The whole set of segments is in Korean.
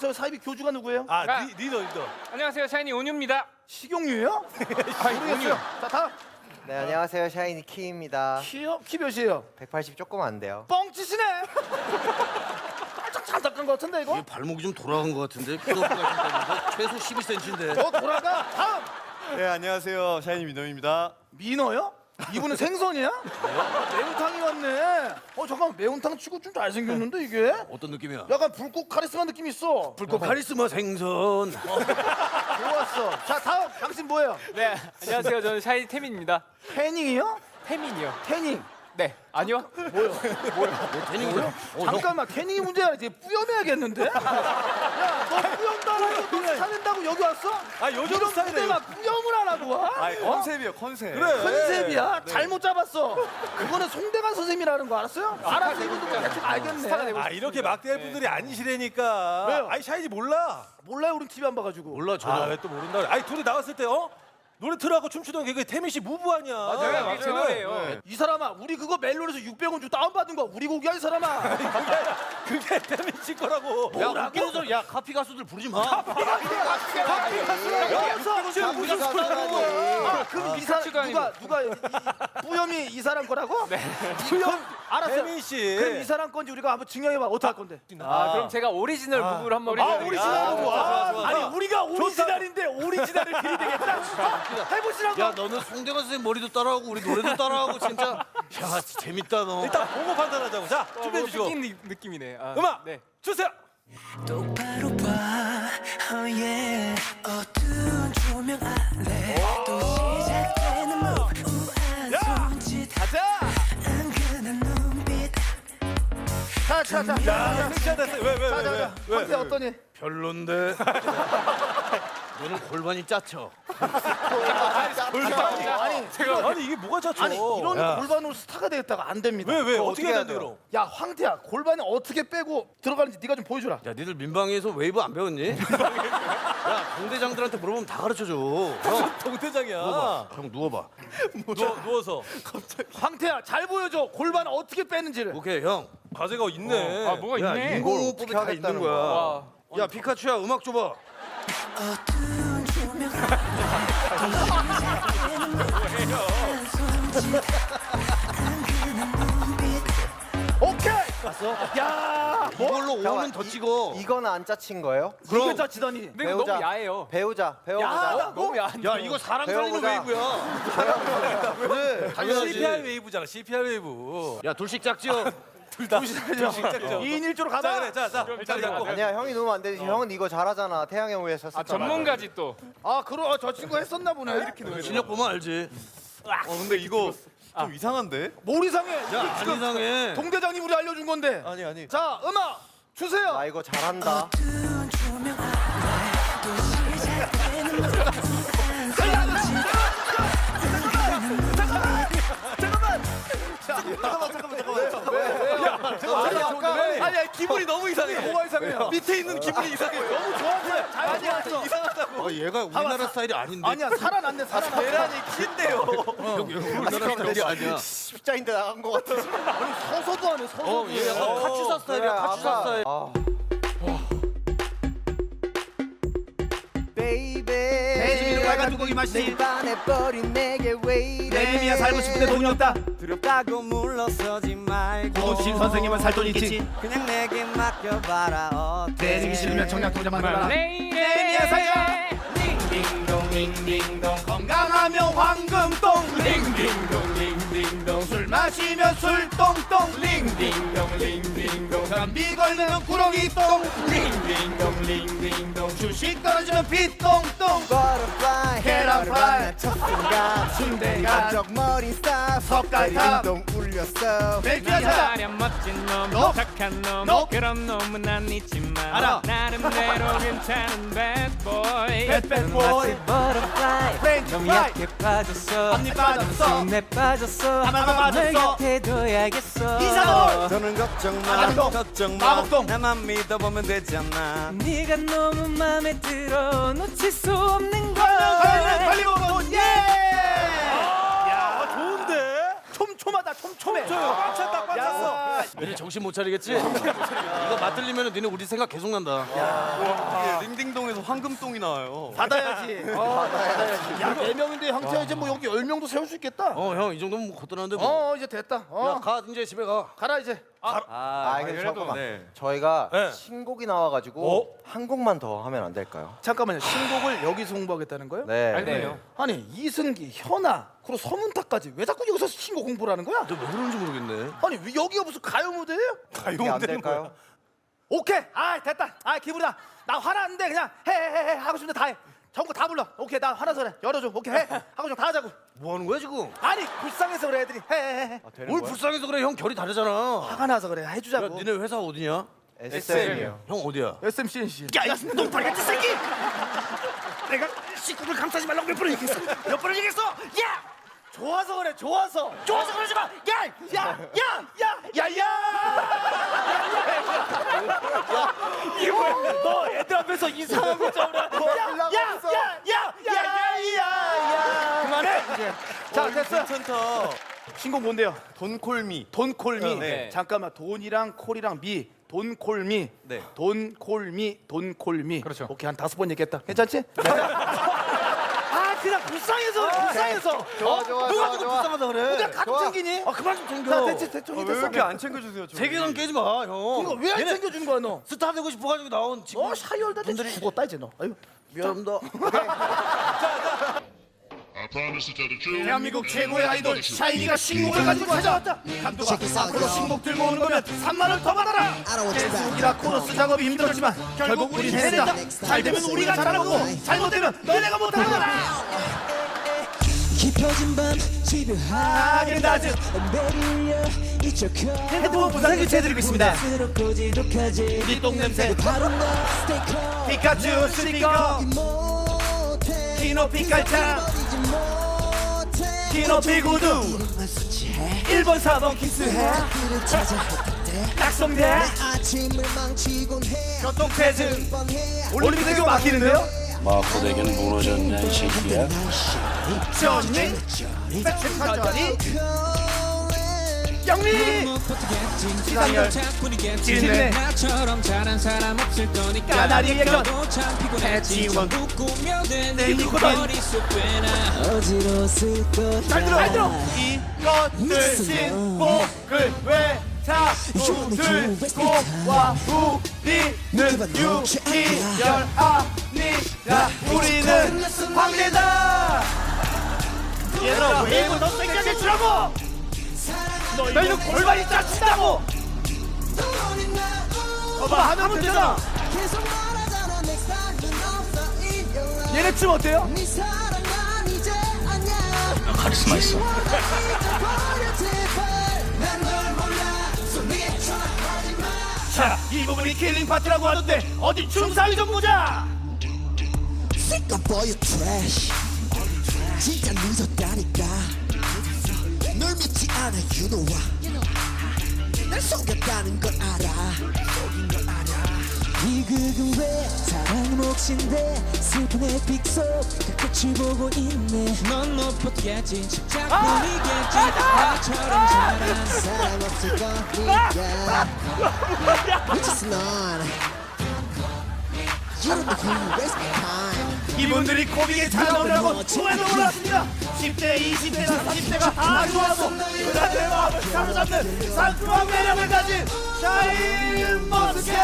저 사이비 교주가 누구예요? 아, 리더. 안녕하세요, 샤이니 온유입니다. 식용유예요? 모르겠어요. 자 다음. 네, 안녕하세요. 샤이니 키입니다. 키요? 키 몇이에요? 180 조금 안 돼요. 뻥치시네. 살짝 잘 닦은 것 같은데 이거? 발목이 좀 돌아간 것 같은데 피노프가 최소 12cm인데. 더 돌아가. 다음. 네, 안녕하세요. 샤이니 민호입니다. 민어요? 이분은 생선이야? 매운탕이 왔네. 잠깐 매운탕 치고 좀 잘생겼는데 이게? 어떤 느낌이야? 약간 불꽃 카리스마 느낌 있어. 불꽃 카리스마 생선. 좋았어. 자 다음 당신 뭐예요? 네, 안녕하세요. 저는 샤이니 태민입니다. 태닝이요? 태민이요. 태닝. 네, 아니요. 태닝이야? 잠깐만 태닝이 문제야. 이제 뿌염해야겠는데? 야너 뿌염 달라고 너 스타낸다고 여기 왔어? 아, 요즘 이런 스타일이에요. 무대가 뿌염을 안 하고 와? 아, 컨셉이요, 컨셉. 컨셉이야? 잘못 잡았어. 그거는 송대관 선생님이라는 거 알았어요? 알았어. 이분도 대충 알겠네. 아, 이렇게 막대할 분들이 아니시라니까. 왜요? 아니, 샤이니 몰라. 몰라요. 우린 TV 안 봐가지고. 몰라 아, 저도. 왜 또 모른다 그래. 아니, 둘이 나왔을 때 노래 틀어갖고 춤추던 게 태민 씨 무브 아니야. 맞아요, 지금. 맞아요. 이 사람아 우리 그거 멜론에서 600원 주고 다운받은 거 우리 곡이야 이 사람아. 그게 태민 씨 거라고. 야, 웃기는 소리. 야, 카피 가수들 부르지 마. 여기서 지금 무슨 소리 하는 거야? 그럼 이 사람 깍지도 아니고. 누가 뿌염이 이 사람 거라고? 네. 뿌염 알았어. 태민 씨. 그럼 이 사람 건지 우리가 한번 증명해봐. 어떻게 할 건데? 그럼 제가 오리지널 부부를 한번 오리지널 부부. 좋아, 좋아. 아니 우리가 오리지널인데 오리지널을 들이대겠다. 해보시라고. 야, 너는 송대관 선생 머리도 따라하고 우리 노래도 따라하고 진짜. 야, 진짜 재밌다 너. 일단 보고 판단하자고. 자, 준비해 주시고. 느낀 느낌이네. 음악 네. 주세요. 똑바로 봐, oh yeah. 어두운 조명 아래 또 시작되는 우아한 손짓, 가자. 은근한 눈빛. 자자자. 섹시하다. 왜? 어때 어떠니? 별론데. 너는 골반이 짜쳐. 아니 이게 뭐가 짰죠? 아니 이런 골반으로 스타가 되겠다가 안 됩니다. 왜? 그거 어떻게 어떻게 해야 돼 해야 그럼? 야 황태야 골반이 어떻게 빼고 들어가는지 네가 좀 보여주라. 야, 니들 민방위에서 웨이브 안 배웠니? 야, 동대장들한테 물어보면 다 가르쳐줘. 형, 동대장이야. 누워봐. 형 누워봐. 누워서. 황태야 잘 보여줘. 골반 어떻게 빼는지를. 오케이, 형. 과제가 있네. 아, 뭐가 야, 있네. 인공호흡법이 다 있는 하겠다는 거야. 와. 야, 피카츄야, 음악 줘봐. 어두운 조명 아래 또 시작되는 우아한 손짓, 은근한 눈빛. 오케이. 봤어? 야. 이걸로 잠깐만, 5는 더 찍어. 이거는 안 짜친 거예요? 그럼 짜치더니. 근데 이거 너무 야해요. 배우자. 너무 야한데. 야, 이거 사람 살리는 배워보자. 웨이브야. 그래, 당연하지. CPR 웨이브잖아. CPR 웨이브. 야, 둘씩 짝지요. 둘씩 짝죠. 2인 1조로 자, 가자. 그래. 자. 자리 잡고. 아니야, 형이 누우면 안 되지. 형은 이거 잘하잖아. 태양의 후예 썼었잖아. 전문가지 또. 그럼 저 친구 했었나 보네. 이렇게 실력 보면 알지. 근데 이거 좀 이상한데? 뭘 이상해? 야, 안 이상해. 동대장님 우리 알려준 건데. 아니. 자 음악 주세요. 나 이거 잘한다. 어두운 조명 아래 또 시작되는 우아한 손짓, 아니 기분이 너무 이상해. 뭐가 이상해요? 밑에 있는 기분이 이상해. 너무 좋아서 자연이 왔어. 이상하다고. 얘가 우리나라 스타일이 아닌데. 아니야 살아났네 살아났어. 계란이 긴데요. 우리나라 스타일이 아니야. 십자인데 나간 거 같아. 서서도 하네 서서도. 얘 약간 카츄사 스타일이야. 카츄사 스타일. 베이비 빨간 두꺼기 맛이. 내 반해버린 내게 왜 이래. 내림이야 살고 싶은데 돈이 없다. 두렵다고 물러서지 말고 고신 선생님은 살 돈 있지. 그냥 내게 맡겨봐라. 어때? 내리기 싫으면 청약 통장 만들어라. 내미야 살자. 링딩동 링딩동 건강하면 황금똥 링딩동 링딩동 술 마시면 술똥똥 링딩동 링딩동 감기 걸리면 구렁이똥 링딩동 링딩동 주식 떨어지면 빗똥똥 버터플라이 계란 프라이 첫순간 순대간 적머리 스타 석갈탑 동 울렸어. 맥주하자 하얀 멋진 놈, 너? 착한 놈, 너? 그런 놈은 난 있지만 알아. 나름대로 괜찮은 bad boy. bad boy. 버터플라이 프렌치 너무 프라이 약해 빠졌어 앞니 빠졌어 내 빠졌어 하나만 빠졌어. 널 곁에 둬야겠어 이상월 저는 걱정 마 아감동. 걱정 마 마법동. 나만 믿어보면 되잖아. 네가 너무 맘에 들어 놓칠 수 없는 걸 걸리고 돈 예! 좋은데? 촘촘하다 촘촘해. 꽉 찼다 꽉 찼어. 야, 너네 정신 못 차리겠지? 이거 맞들리면 너네 우리 생각 계속 난다. 이게 링딩동에서 황금똥이 나와요. 받아야지. 받아야지. 야, 4명인데 형태 이제 뭐 여기 10명도 세울 수 있겠다. 형 이 정도면 뭐 거뜬한데 뭐. 이제 됐다. 야, 가 이제 집에 가. 가라 이제. 근데 잠깐만. 네. 저희가 네. 신곡이 나와가지고 한 곡만 더 하면 안 될까요? 잠깐만요. 신곡을 여기서 홍보하겠다는 거예요? 네. 아니 이승기, 현아, 그리고 서문탁까지 왜 자꾸 여기서 신곡 홍보를 하는 거야? 너 왜 그런지 모르겠네. 아니 왜 여기가 무슨 가요 무대예요? 이게 안 될까요? 오케이. 됐다. 기분이다. 나 화났는데 그냥 해 하고 싶은데 다 해. 전부 다 불러. 오케이 나 화나서 그래. 열어줘. 오케이 해. 하고 싶은 거 다 하자고. 뭐 하는 거야 지금? 아니 불쌍해서 그래 애들이. 해. 뭘 불쌍해서 그래? 형 결이 다르잖아. 화가 나서 그래. 야, 해주자고. 니네 회사 어디냐? SM이요. 형 어디야? SMCNC. 야, 이 똥파리 같은 새끼! 내가 식구를 감싸지 말라고 몇 번을 얘기했어? 몇 번을 얘기했어? 야! 좋아서 그래, 좋아서 그러지 마! 야! 이거 뭐야? 너 애들 앞에서 이상한 거 잡으라. 그만해! 자, 됐어. 괜찮다. 신곡 뭔데요? 돈콜미. 돈콜미. 네. 잠깐만, 돈이랑 콜이랑 미. 돈콜미. 네. 돈콜미. 그렇죠. 오케이, 한 5번 얘기했다. 괜찮지? 그냥 불쌍해서. 좋아. 누가 지금 불쌍하다 그래? 그냥 가끔 챙기니? 그만 좀 챙겨. 자, 됐지, 왜 됐지. 이렇게 안 챙겨주세요? 저희? 세계관 깨지 마, 형. 이거 왜 안 얘네 챙겨주는 거야, 너? 스타 되고 싶어가지고 나온 지금. 샤이 열다 분들이 죽었다 이제 너. 아유, 미안합니다. I promise to tell the truth. 대한민국 최고의 아이돌 샤이니가 신곡을 가지고 찾아왔다. 감독아, 앞으로 신곡 들고 오는 거면 3만 원 더 받아라. 계속이라 코러스 작업이 힘들었지만 결국 우린 해낸다. 잘 되면 우리가 잘하는 거고 잘못되면 너네가 못하는 거다. 깊어진 밤 집요하게 낮은 매일려 잊혀져 헤드폰 부상 교체해드리고 있습니다. 스럽고 지독하지 우리 똥냄새 바로 너 스티커 피카츄 스니커 못해 키노 피카차 버리지 못해 키노 피구두 마주치해 1번 4번 키스해 그를 찾아 할 약속돼 아침을 망치곤 해 교통체증 뻔해 올림픽대교 막히는데요. 마포대교는 무너졌냐 이 새끼야. 천리 백천천리 영리 시상열 진네 나처럼 잘한 사람 없을 거니까 까나리 예전 너도 참 피곤했지 지원 웃으며 된 내 이코던 머릿속 꽤나 어지러웠을 거야 잘 들어 이것들 신곡을 왜 자꾸 들고 와 우리는 유희열 아니라 우리는 황제다 얘들아 웨이브 더 세게 해주라고 너희는 골반이 짜친다고 봐봐 하면 되잖아 계속 말하잖아 next time 넌 없어 in your life 얘네 춤 어때요? 네 사랑 난 이제 아니야 카리스마 있어. 자, 이 부분이 킬링 파트라고 하던데 어디 춤사위 좀 보자. Sick of all your trash 진짜 늦었다니까 널 믿지 않아 you know why 날 속였다는 걸 알아 비극은 왜 사랑은 몫인데 슬픈 에픽 속 끝을 보고 있네 넌 못 보겠지 작품이겠지 나처럼 잘한 사랑 없을 거니까 Which is none You don't know who you waste my time 이분들이 코빅에 찾아오려고 초에도 올랐습니다. 10대, 20대나 30대가 다 좋아서 그들의 마음을 사로잡는 상큼한 매력을 가진 샤인 머스켓.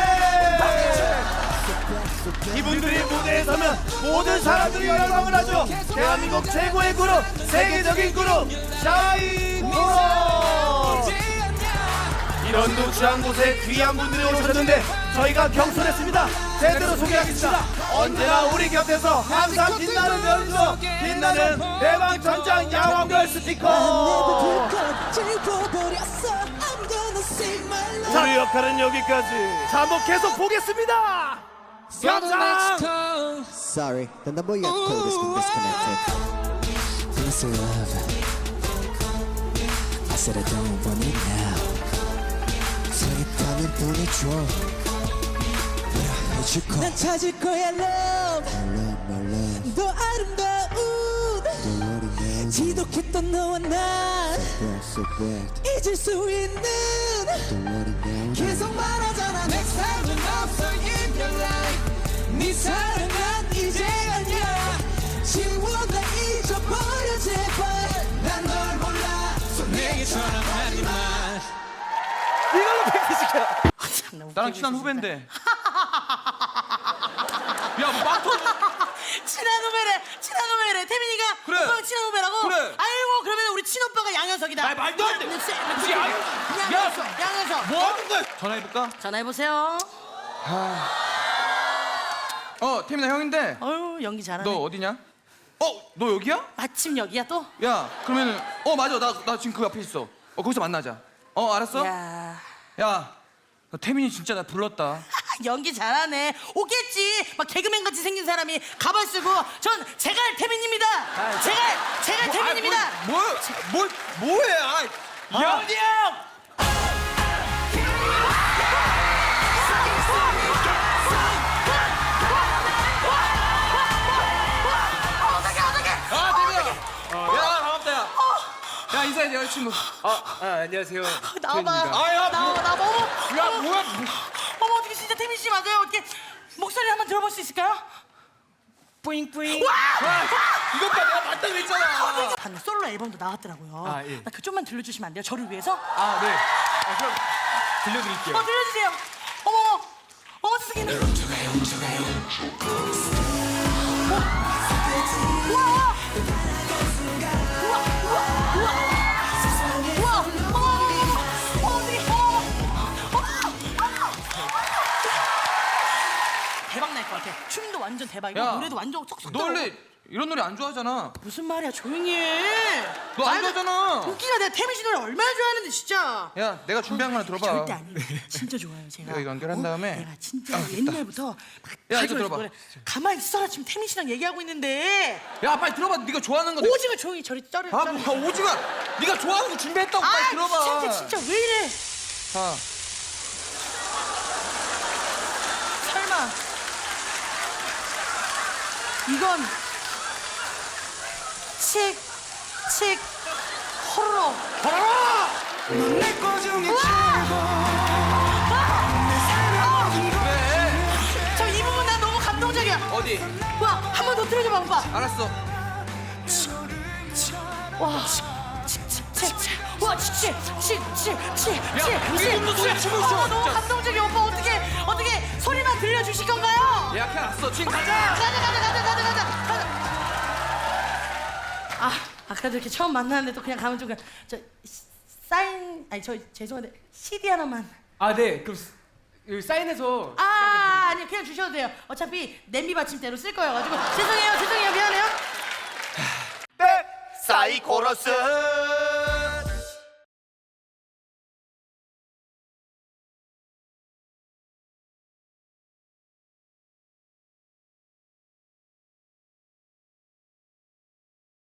이분들이 무대에 서면 모든 사람들이 열광을 하죠. 대한민국 최고의 그룹, 세계적인 그룹 샤인 머스켓. 이런 누추한 곳에 귀한 분들이 오셨는데 저희가 경솔했습니다. 제대로 소개하겠습니다. 언제나 우리 곁에서 항상 빛나는 연수, 빛나는 대방전장 야왕별 스티커. 우리 역할은 여기까지. 자, 한번 계속 보겠습니다. 영상. Sorry, the number you have called has been disconnected. Please love. I said I don't want it now. 서있다면 보내줘. 뭐라 해줄 거. 난 찾을 거야 love. My love, my love. 더 아름다운. Don't worry, man. 지독했던 너와 난 잊을 수 있는 계속 말하잖아 Next time 은 없어 in your life 네 사랑은 이제 아니야 지워 다 잊어버려 제발 난 널 몰라 So 내게 전화하지 마 이걸로 팩트시켜. 나랑 친한 후배인데. 야, 뭐 빵 터져. 친한 후배래. 태민이가 그래. 오빠랑 친한 후배라고? 그래. 아이고 그러면 우리 친오빠가 양현석이다. 아, 말도 안 돼. 양현석. 뭐 하는 거야? 전화해볼까? 전화해보세요. 태민아 형인데. 어휴 연기 잘하네. 너 어디냐? 너 여기야? 마침 여기야 또? 야, 그러면은 맞아. 나 지금 그 앞에 있어. 거기서 만나자. 알았어? 야 야, 너 태민이 진짜 나 불렀다. 연기 잘하네. 오겠지. 막 개그맨 같이 생긴 사람이 가발 쓰고 전 제갈 태민입니다. 제갈 태민입니다. 뭐해? 영이 형. 어떡해. 야, 반갑다, 야. 야, 인사해, 내 여자친구. 안녕하세요. 나와봐. 야, 나 어머. 야, 뭐야? 어머 어떻게 진짜 태민 씨 맞아요? 어떻게 목소리 한번 들어볼 수 있을까요? 뿌잉뿌잉. 이것 봐, 내가 맞다고 했잖아. 봤네. 솔로 앨범도 나왔더라고요. 아, 예. 나 그 좀만 들려주시면 안 돼요? 저를 위해서? 네. 그럼 들려드릴게요. 들려주세요. 어머 세상에. 대박 날 것 같아. 춤도 완전 대박이고 야, 노래도 완전 쏙쏙 너 원래 이런 노래 안 좋아하잖아. 무슨 말이야 조용히 해. 너 안 말도- 좋아하잖아. 웃기가 내가 태민 씨 노래 얼마나 좋아하는데 진짜. 야, 내가 준비한 거 하나 들어봐. 절대 아니에요. 진짜 좋아요 제가. 이거 연결한 다음에. 내가 진짜 옛날부터 막 야, 이거 가지고 들어봐. 노래. 가만히 있어라 지금 태민 씨랑 얘기하고 있는데. 야, 빨리 들어봐. 네가 좋아하는 거. 오징어 조용히 저리 쩔을. 뭐 오징어. 네가 좋아하는 거 준비했다고. 빨리 들어봐. 진짜 왜 이래? 자, 설마 이건 칙 호로로 내꺼 중에 저 이 부분 난 너무 감동적이야. 어디? 와 한 번 더 틀어줘봐 오빠. 알았어. 와 우리 놈도 노래 춤을 춰, 너무 진짜. 감동적이야 오빠. 어떻게 소리만 들려주실 건가요? 예약해놨어. 지금 가자. 가자. 아까도 이렇게 처음 만났는데 또 그냥 가면 좀 그냥 저 사인 아니 저 죄송한데 CD 하나만. 네. 그럼 여기 사인해서. 아니 그냥 주셔도 돼요. 어차피 냄비 받침대로 쓸 거여가지고 죄송해요 미안해요. 사이코러스